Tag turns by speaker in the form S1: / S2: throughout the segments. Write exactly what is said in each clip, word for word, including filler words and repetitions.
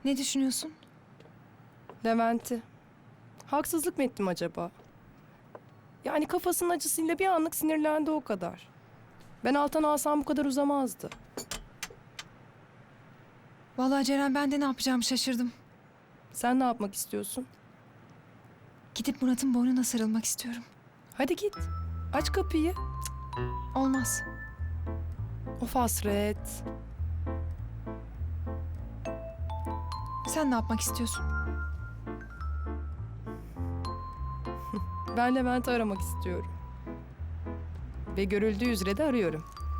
S1: Ne düşünüyorsun?
S2: Levent'i. Haksızlık mı ettim acaba? Yani kafasının acısıyla bir anlık sinirlendi o kadar. Ben alttan alsam bu kadar uzamazdı.
S1: Vallahi Ceren, ben de ne yapacağımı şaşırdım.
S2: Sen ne yapmak istiyorsun?
S1: Gidip Murat'ın boynuna sarılmak istiyorum.
S2: Hadi git. Aç kapıyı.
S1: Olmaz.
S2: Of hasret.
S1: Sen ne yapmak istiyorsun?
S2: Ben Levent'i aramak istiyorum. Ve görüldüğü üzere de arıyorum.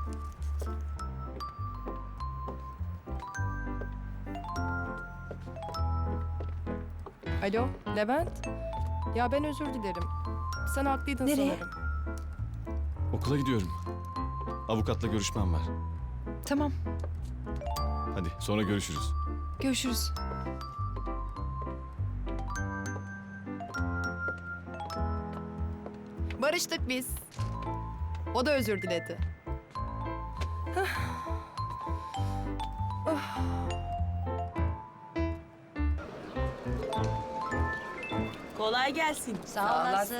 S2: Alo, Levent. Ya ben özür dilerim. Sen haklıydın
S1: Nereye?
S2: sanırım.
S3: Okula gidiyorum. Avukatla görüşmem var.
S1: Tamam,
S3: Hadi sonra görüşürüz.
S1: görüşürüz.
S2: Barıştık biz. O da özür diledi.
S4: Kolay gelsin.
S5: Sağ olasın.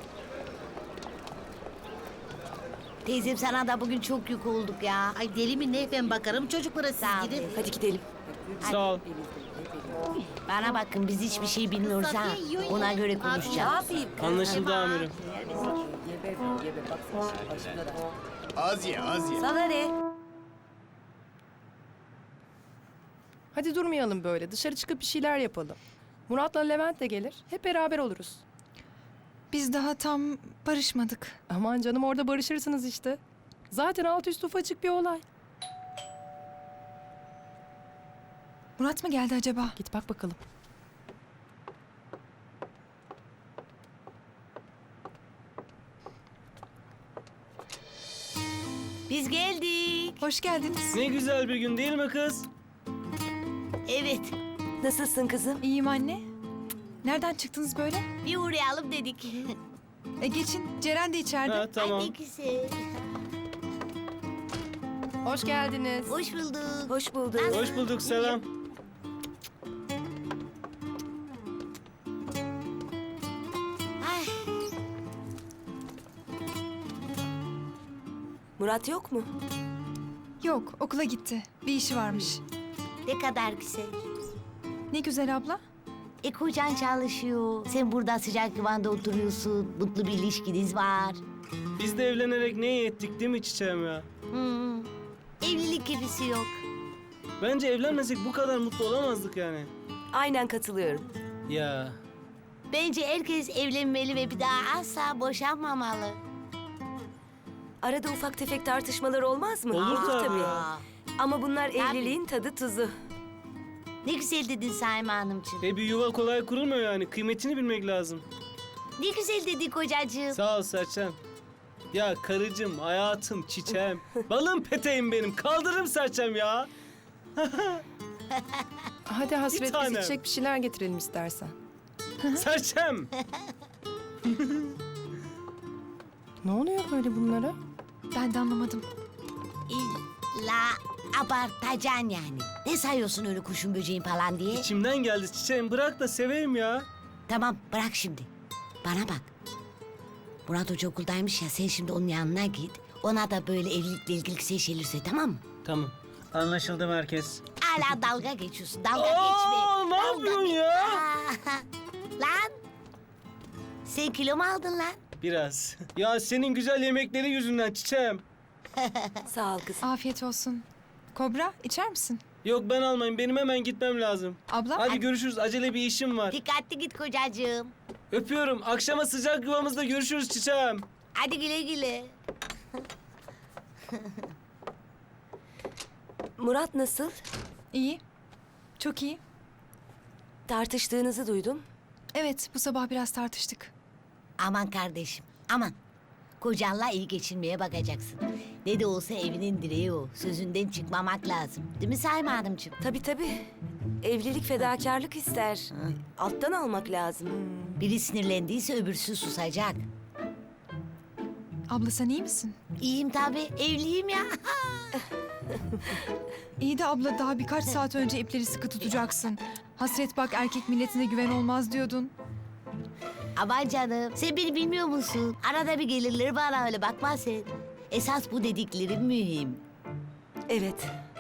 S5: Teyzem, sana da bugün çok yük olduk ya.
S6: Ay deli mi ne? Ben bakarım çocuklara, siz
S5: Sağ ol
S6: gidin.
S5: teyze.
S4: Hadi gidelim.
S7: Sağ ol.
S5: Bana bakın, biz hiçbir şey bilmiyoruz ha. Ona göre konuşacağız.
S7: Anlaşıldı amirim.
S8: Az ye, az ye.
S4: Sana ne?
S2: Hadi durmayalım böyle. Dışarı çıkıp bir şeyler yapalım. Murat'la Levent de gelir. Hep beraber oluruz.
S1: Biz daha tam barışmadık.
S2: Aman canım, orada barışırsınız işte. Zaten alt üst ufacık bir olay.
S1: Murat mı geldi acaba?
S2: Git bak bakalım.
S5: Biz geldik.
S1: Hoş geldiniz.
S7: Ne güzel bir gün değil mi kız?
S5: Evet,
S4: Nasılsın kızım?
S1: İyiyim anne. Nereden çıktınız böyle?
S5: bir uğrayalım dedik.
S1: E geçin, Ceren de içeride.
S7: Ha tamam.
S5: Ay ne güzel.
S2: Hoş geldiniz.
S5: Hoş bulduk.
S4: Hoş bulduk.
S7: Hoş bulduk, selam.
S5: Ay,
S4: Murat yok mu?
S1: Yok, okula gitti. Bir işi varmış.
S5: ne kadar güzel.
S1: Ne güzel abla.
S5: E kocan çalışıyor. Sen burada sıcak yuvanda oturuyorsun. Mutlu bir ilişkiniz var.
S7: Biz de evlenerek ne iyi ettik değil mi çiçeğim ya?
S5: Hmm. Evlilik gibisi yok.
S7: Bence evlenmesek bu kadar mutlu olamazdık yani.
S4: Aynen katılıyorum.
S7: Ya
S5: Bence herkes evlenmeli ve bir daha asla boşanmamalı.
S4: Arada ufak tefek tartışmalar olmaz mı?
S7: Olur tabii.
S5: Aa,
S4: Ama bunlar evliliğin tadı tuzu.
S5: ne güzel dedin Saime Hanımcığım.
S7: e bir yuva kolay kurulmuyor yani. Kıymetini bilmek lazım.
S5: Ne güzel dedin kocacığım.
S7: Sağ ol Serçem. Ya karıcığım, hayatım, çiçeğim. Balım peteğim benim. Kaldırırım Serçem ya.
S2: Hadi hasret, biz
S7: tanem.
S2: içecek bir şeyler getirelim istersen.
S7: Serçem.
S2: Ne oluyor böyle bunlara?
S1: Ben de anlamadım.
S5: İlla abartacaksın yani. Ne sayıyorsun öyle kuşun böceğin falan diye?
S7: İçimden geldi çiçeğim. Bırak da seveyim ya.
S5: Tamam, bırak şimdi. Bana bak. Murat Hoca okuldaymış ya, sen şimdi onun yanına git. Ona da böyle evlilikle ilgili güzel şeyler söyle, tamam mı?
S7: Tamam. Anlaşıldı merkez.
S5: Hala dalga geçiyorsun, dalga
S7: Aa,
S5: geçme.
S7: ne
S5: Dalga
S7: yapıyorsun
S5: geç-
S7: ya?
S5: Aa, lan! Sen kilo mu aldın lan?
S7: Biraz. Ya senin güzel yemekleri yüzünden çiçeğim.
S4: Sağ ol kızım.
S1: Afiyet olsun. Kobra, içer misin?
S7: Yok ben almayayım. Benim hemen gitmem lazım.
S1: Abla?
S7: Hadi görüşürüz. Acele bir işim var.
S5: Dikkatli git kocacığım.
S7: Öpüyorum. Akşama sıcak yuvamızda görüşürüz çiçeğim.
S5: Hadi güle güle.
S4: Murat nasıl?
S1: İyi. Çok iyi.
S4: Tartıştığınızı duydum.
S1: Evet, bu sabah biraz tartıştık.
S5: Aman kardeşim, aman. Kocanla iyi geçinmeye bakacaksın. Ne de olsa evinin direği o. Sözünden çıkmamak lazım. Değil mi Saime Hanımcığım?
S4: Tabii tabii. Evlilik fedakarlık ister. Alttan almak lazım.
S5: Biri sinirlendiyse öbürsü susacak.
S1: Abla sen iyi misin?
S5: İyiyim tabii, evliyim ya.
S1: İyi de abla daha birkaç saat önce ipleri sıkı tutacaksın. Hasret bak erkek milletine güven olmaz diyordun.
S5: Aman canım, sen beni bilmiyor musun? Arada bir gelirler bana öyle, bakma sen. Esas bu dediklerim mühim.
S4: Evet.